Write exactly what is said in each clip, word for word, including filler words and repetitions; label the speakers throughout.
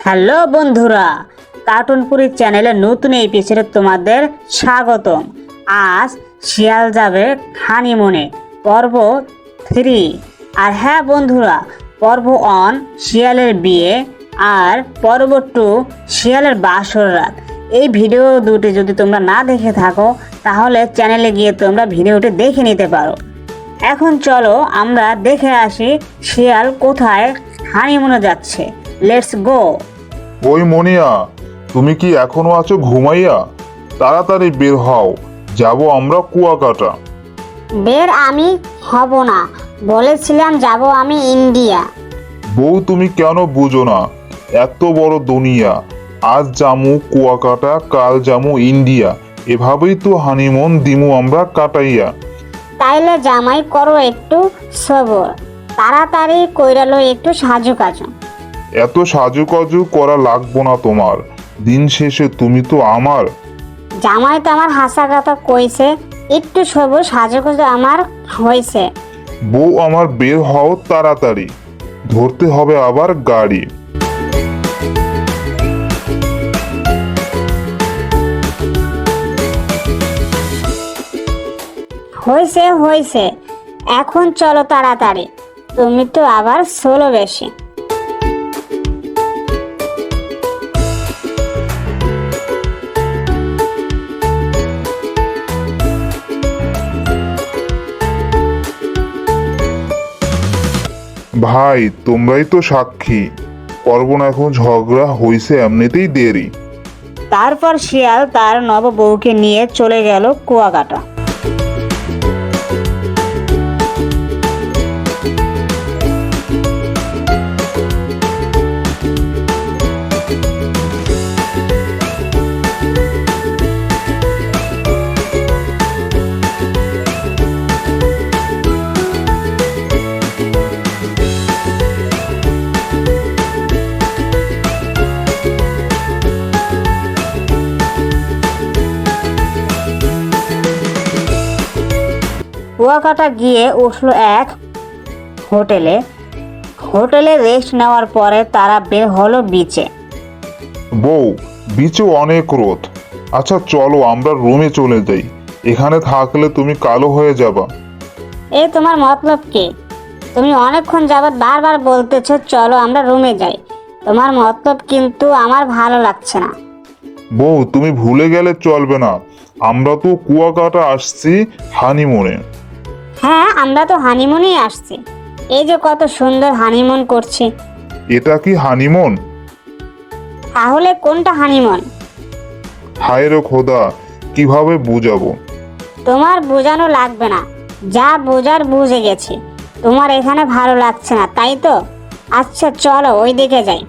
Speaker 1: Hello বন্ধুরা, কার্টুনপুরি চ্যানেলের নতুন এপিসোডে তোমাদের স্বাগতম। আজ শিয়াল যাবে হানিমুনে পর্ব থ্রি। আর হ্যাঁ বন্ধুরা, পর্ব ওয়ান শিয়ালের বিয়ে আর পর্ব টু শিয়ালের বাসর রাত। এই ভিডিও দুটি যদি তোমরা না দেখে থাকো তাহলে চ্যানেলে গিয়ে তোমরা ভিডিওটি দেখে নিতে পারো। এখন চলো আমরা দেখে আসি শিয়াল কোথায় হানিমুনে যাচ্ছে। Let's go.
Speaker 2: ওই মনিয়া, তুমি কি এখনো আছো ঘুমাইয়া? তাড়াতাড়ি বের হও, যাব আমরা কুয়াকাটা।
Speaker 3: বের আমি হব না, বলেছিলাম যাব আমি ইন্ডিয়া।
Speaker 2: বউ, তুমি কেন বুঝো না? এত বড় দুনিয়া, আজ জামু কুয়াকাটা, কাল জামু ইন্ডিয়া, এভাবেই তো হানিমুন দিমু আমরা কাটাইয়া।
Speaker 3: তাইলে জামাই করো একটু সবর, তাড়াতাড়ি কইরালো একটু সাজু কাজু।
Speaker 2: এত সাজুকাজু করা লাগবো না তোমার, দিন শেষে তুমি তো আমার।
Speaker 3: জামাই তো আমার হাসা কথা কইছে, একটু সবর সাজু কাজু আমার হইছে।
Speaker 2: বউ আমার, বের হও তাড়াতাড়ি, ধরতে হবে আবার গাড়ি।
Speaker 3: হইছে হইছে, এখন চলো তাড়াতাড়ি, তুমি তো আবার সোলো বেশি।
Speaker 2: ভাই, তোমরাই তো সাক্ষী, করবো না এখন ঝগড়া, হইছে এমনিতেই দেরি।
Speaker 1: তারপর শিয়াল তার নববধূকে নিয়ে চলে গেল কুয়াকাটা। কুয়াকাটা গিয়ে উঠলো এক হোটেলে। হোটেলে রেস্ট নেওয়ার পরে তারা বের হলো বিচে।
Speaker 2: বউ, বিচে অনেক রোদ। আচ্ছা চলো আমরা রুমে চলে যাই, এখানে থাকলে তুমি কালো হয়ে যাবা।
Speaker 3: এই তোমার মতলব কি? তুমি অনেকক্ষণ যাবৎ বারবার বলতেছো চলো আমরা রুমে যাই, তোমার মতলব কিন্তু আমার ভালো লাগছে না।
Speaker 2: বউ, তুমি ভুলে গেলে চলবে না, আমরা তো কুয়াকাটা আসছি হানিমুনে।
Speaker 3: হ্যাঁ, আমরা তো হানিমুনেই আসছি, এই যে কত সুন্দর হানিমুন করছি।
Speaker 2: এটা কি হানিমুন?
Speaker 3: তাহলে কোনটা হানিমুন?
Speaker 2: হায় রে খোদা, কিভাবে বুঝাবো?
Speaker 3: তোমার বোঝানো লাগবে না, যা বোঝার বুঝে গেছি। তোমার এখানে ভালো লাগছে না তাই তো? আচ্ছা চলো ওই দিকে যাই।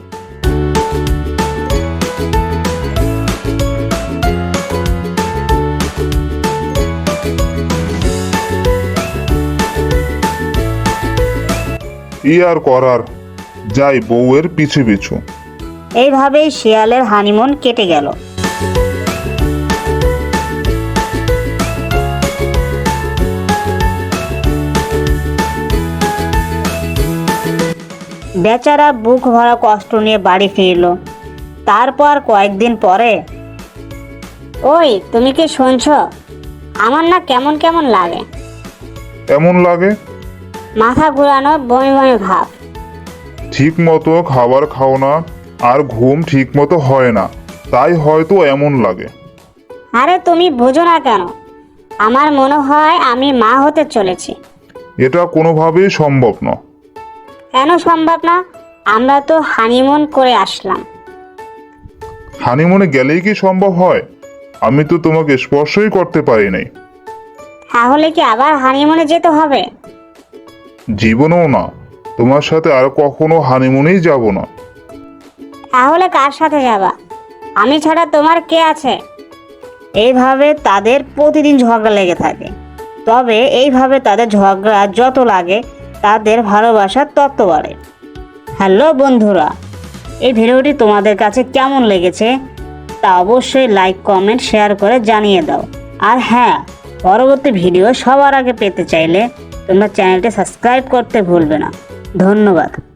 Speaker 2: ই আর করার, যাই বউয়ের পিছু পিছু।
Speaker 1: এইভাবেই শিয়ালের হানিমুন কেটে গেল। বেচারা বুক ভরা কষ্ট নিয়ে বাড়ি ফিরল। তারপর কয়েকদিন পরে,
Speaker 3: ওই তুমি কি শুনছো? আমার না কেমন কেমন লাগে,
Speaker 2: এমন লাগে?
Speaker 3: মাথা ঘুরানো, বমি বমি ভাব।
Speaker 2: ঠিক মতো খাবার খাও না আর ঘুম ঠিক মতো হয় না, তাই হয়তো এমন লাগে।
Speaker 3: আরে তুমি বোঝো না কেন? আমার মনে হয় আমি মা হতে চলেছি।
Speaker 2: এটা কোনোভাবেই সম্ভব না।
Speaker 3: কেন সম্ভব না? আমরা তো হানিমুন করে আসলাম।
Speaker 2: হানিমুনে গেলেই কি সম্ভব হয়? আমি তো তোমাকে স্পর্শই করতে পারি নাই।
Speaker 3: তাহলে কি আবার হানিমুনে যেতে হবে?
Speaker 2: জীবনেও না, তোমার সাথে আর কখনো হানিমুনেই যাব না।
Speaker 3: তাহলে কার সাথে যাবা? আমি ছাড়া তোমার কে আছে?
Speaker 1: এইভাবে তাদের প্রতিদিন ঝগড়া লেগে থাকে। তবে এইভাবে তাদের ঝগড়া যত লাগে তাদের ভালোবাসার তত বাড়ে। হ্যালো বন্ধুরা, এই ভিডিওটি তোমাদের কাছে কেমন লেগেছে তা অবশ্যই লাইক, কমেন্ট, শেয়ার করে জানিয়ে দাও। আর হ্যাঁ, পরবর্তী ভিডিও সবার আগে পেতে চাইলে তোমরা চ্যানেলটি সাবস্ক্রাইব করতে ভুলবে না। ধন্যবাদ।